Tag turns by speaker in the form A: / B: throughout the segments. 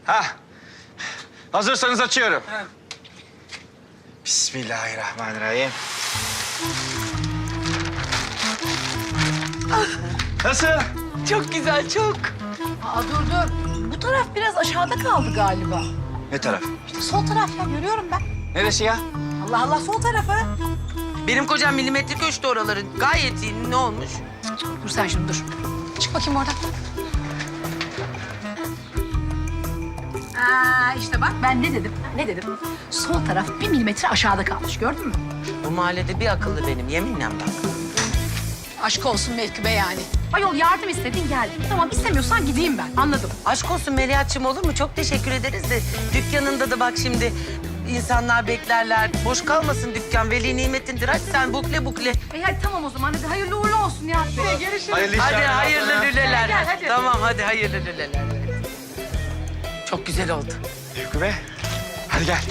A: Ha. Hazırsanız açıyorum. Bismillahirrahmanirrahim. Nasıl?
B: Çok güzel, çok.
C: Aa, dur. Bu taraf biraz aşağıda kaldı galiba.
A: Ne taraf?
C: İşte sol taraf ya, görüyorum ben.
A: Neresi ya?
C: Allah Allah, sol tarafı.
B: Benim kocam milimetrik ölçtü oraları. Gayet iyi. Ne olmuş?
C: Dur sen şimdi dur. Çık bakayım oradan. İşte bak ben ne dedim? Ne dedim? Sol taraf 1 milimetre aşağıda kalmış, gördün mü?
B: Bu mahallede bir akıllı benim. Yeminle bak.
C: Aşk olsun Mevki Bey yani. Ayol yardım istedin geldin. Tamam istemiyorsan gideyim ben, anladım.
B: Aşk olsun Melihat'cığım, olur mu? Çok teşekkür ederiz de dükkanında da bak şimdi insanlar beklerler. Boş kalmasın dükkan. Veli nimetindir. Hadi sen bukle.
C: Hadi tamam o zaman, hadi hayırlı uğurlu olsun Nihat Bey. Görüşürüz.
A: Hayırlı işler.
B: Hadi hayırlı lüleler.
C: Gel, hadi.
B: Tamam hadi hayırlı lüleler. Çok güzel oldu.
A: Mevki Bey. Hadi gel.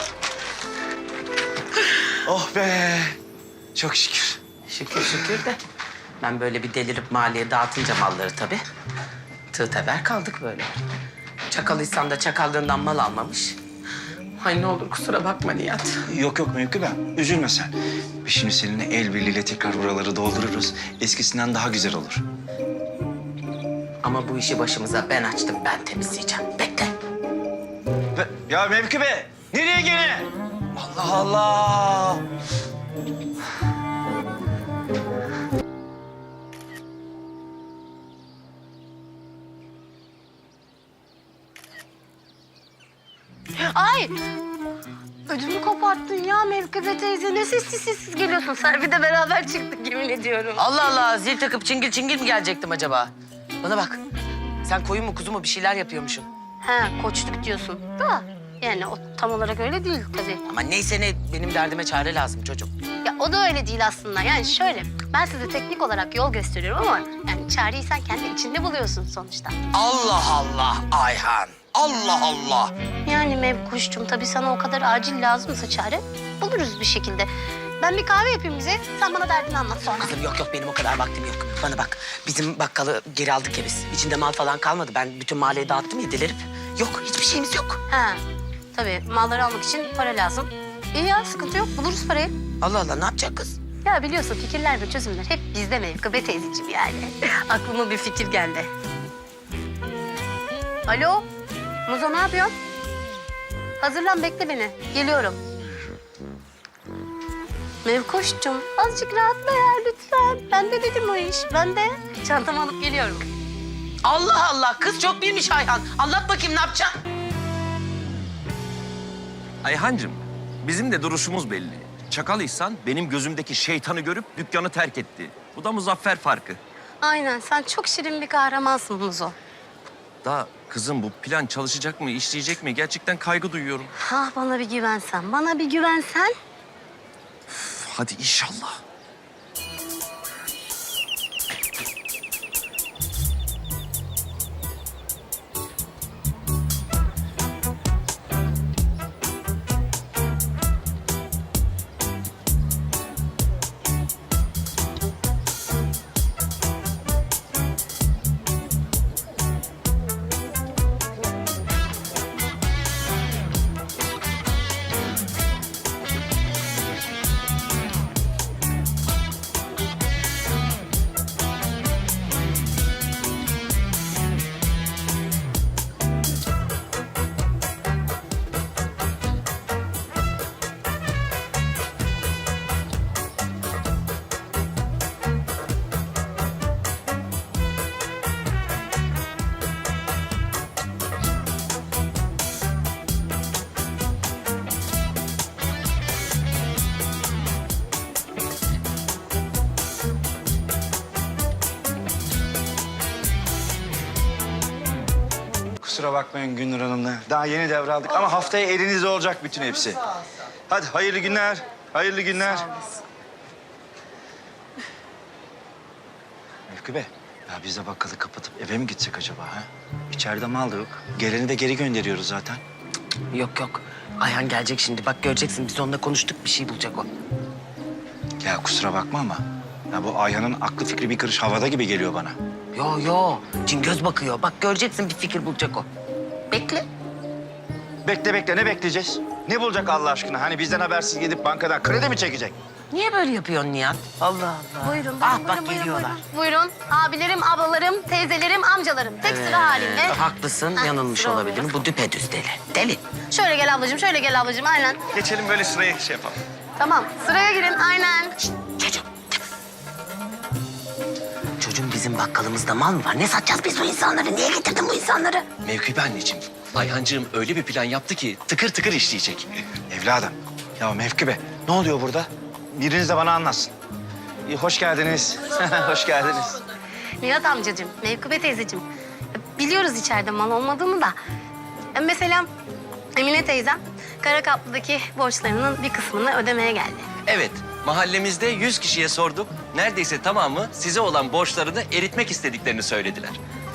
A: Oh be. Çok şükür.
B: Şükür de. Ben böyle bir delirip mahalleye dağıtınca malları tabii. Tığ teber kaldık böyle. Çakalıysan da çakallığından mal almamış. Ay ne olur kusura bakma Nihat.
A: Yok Mevki Bey. Üzülme sen. Biz şimdi seninle el birliğiyle tekrar buraları doldururuz. Eskisinden daha güzel olur.
B: Ama bu işi başımıza ben açtım, ben temizleyeceğim. Bekle.
A: Ya Mevki Bey. Nereye gene? Allah Allah.
D: Ay! Ödümü koparttın ya Mevkibe teyze. Ne sessiz geliyorsun. Sen bir de beraber çıktık yemin ediyorum.
B: Allah Allah, zil takıp çingil mi gelecektim acaba? Bana bak, sen koyun mu kuzu mu bir şeyler yapıyormuşsun.
D: He, koçluk diyorsun da yani o tam olarak öyle değil tabii.
B: Ama neyse ne, benim derdime çare lazım çocuğum.
D: Ya o da öyle değil aslında. Yani şöyle, ben size teknik olarak yol gösteriyorum ama yani çareyi sen kendi içinde buluyorsun sonuçta.
B: Allah Allah Ayhan, Allah Allah.
D: Yani Mevkuş'cum tabii sana o kadar acil lazımsa çare buluruz bir şekilde. Ben bir kahve yapayım bize. Sen bana derdini anlat sonra.
B: Kızım yok benim o kadar vaktim yok. Bana bak, bizim bakkalı geri aldık ya biz. İçinde mal falan kalmadı. Ben bütün mahalleye dağıttım ya delirip. Yok, hiçbir şeyimiz yok.
D: He, tabii malları almak için para lazım. İyi ya, sıkıntı yok. Buluruz parayı.
B: Allah Allah, ne yapacak kız?
D: Ya biliyorsun fikirler ve çözümler hep bizde Mevkibe teyzeciğim yani. Aklıma bir fikir geldi. Alo, Muzo ne yapıyorsun? Hazırlan, bekle beni. Geliyorum. Mevkoş'cum azıcık rahatla ya lütfen. Ben de dedim o iş, ben de. Çantamı alıp geliyorum.
B: Allah Allah, kız çok bilmiş Ayhan. Anlat bakayım, ne yapacaksın?
E: Ayhancığım, bizim de duruşumuz belli. Çakalıysan benim gözümdeki şeytanı görüp dükkanı terk etti. Bu da muzaffer farkı.
D: Aynen, sen çok şirin bir kahramansın Muzo.
E: Da kızım bu plan çalışacak mı, işleyecek mi? Gerçekten kaygı duyuyorum.
D: Ah bana bir güvensen, bana bir güvensen.
E: Üf, hadi inşallah.
A: Kusura bakmayın Gündür Hanım'la. Daha yeni devraldık ama haftaya elinizde olacak bütün hepsi. Hadi hayırlı günler. Hayırlı günler. Mevki Bey, ya biz de bakkalı kapatıp eve mi gitsek acaba ha? İçeride mal da yok. Geleni de geri gönderiyoruz zaten.
B: Yok. Ayhan gelecek şimdi. Bak göreceksin, biz onunla konuştuk. Bir şey bulacak o.
A: Ya kusura bakma ama ya bu Ayhan'ın aklı fikri bir karış havada gibi geliyor bana.
B: Yo. Cingöz bakıyor. Bak göreceksin, bir fikir bulacak o. Bekle.
A: Bekle bekle, ne bekleyeceğiz? Ne bulacak Allah aşkına? Hani bizden habersiz gidip bankadan kredi mi çekecek?
B: Niye böyle yapıyorsun Nihat? Allah Allah.
D: Buyurun,
B: Ah
D: buyurun,
B: bak
D: buyurun,
B: geliyorlar.
D: Buyurun. Abilerim, ablalarım, teyzelerim, amcalarım. Tek sıra halinde.
B: Haklısın,
D: Heh,
B: yanılmış
D: sıra
B: olabilirim.
D: oluyor.
B: Bu düpedüz deli. Deli.
D: Şöyle gel ablacığım, şöyle gel ablacığım. Aynen.
A: Geçelim böyle sıraya şey yapalım.
D: Tamam, sıraya girin. Aynen.
B: Çocuğum. Çocuğum bizim bakkalımızda mal mı var? Ne satacağız biz bu insanları? Niye getirdin bu insanları?
E: Mevkibe anneciğim, Ayhancığım öyle bir plan yaptı ki tıkır tıkır işleyecek.
A: Evladım, ya Mevkibe, ne oluyor burada? Biriniz de bana anlatsın. Hoş geldiniz. Hoş geldiniz.
D: Nihat amcacığım, Mevkübe teyzeciğim. Biliyoruz içeride mal olmadığını da. Mesela Emine teyzem Karakaplı'daki borçlarının bir kısmını ödemeye geldi.
E: Evet, mahallemizde 100 kişiye sorduk. Neredeyse tamamı size olan borçlarını eritmek istediklerini söylediler.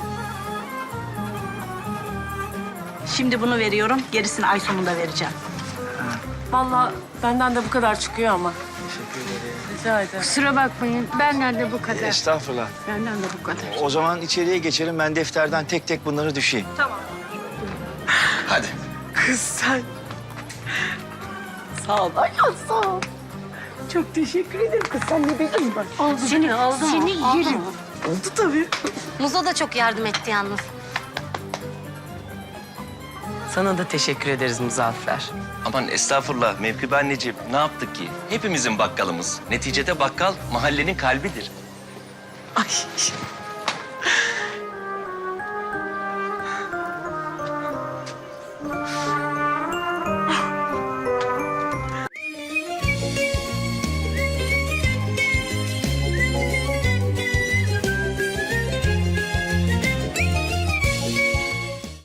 F: Şimdi bunu veriyorum, gerisini ay sonunda vereceğim. Vallahi benden de bu kadar çıkıyor ama. Rica ederim.
C: Kusura bakmayın. Benden de bu kadar.
A: Estağfurullah.
C: Benden de bu kadar.
A: O zaman içeriye geçelim. Ben defterden tek tek bunları düşeyim.
E: Hadi.
F: Kız sen. Sağ ol. Ay sağ ol. Çok teşekkür ederim kız. Sen ne bileyim bak.
C: Oldu seni yerim.
F: Oldu tabii.
D: Muzo da çok yardım etti yalnız.
B: Sana da teşekkür ederiz Muzaffer.
E: Aman estağfurullah Mevkibe anneciğim, ne yaptık ki? Hepimizin bakkalımız. Neticede bakkal mahallenin kalbidir.
F: Ay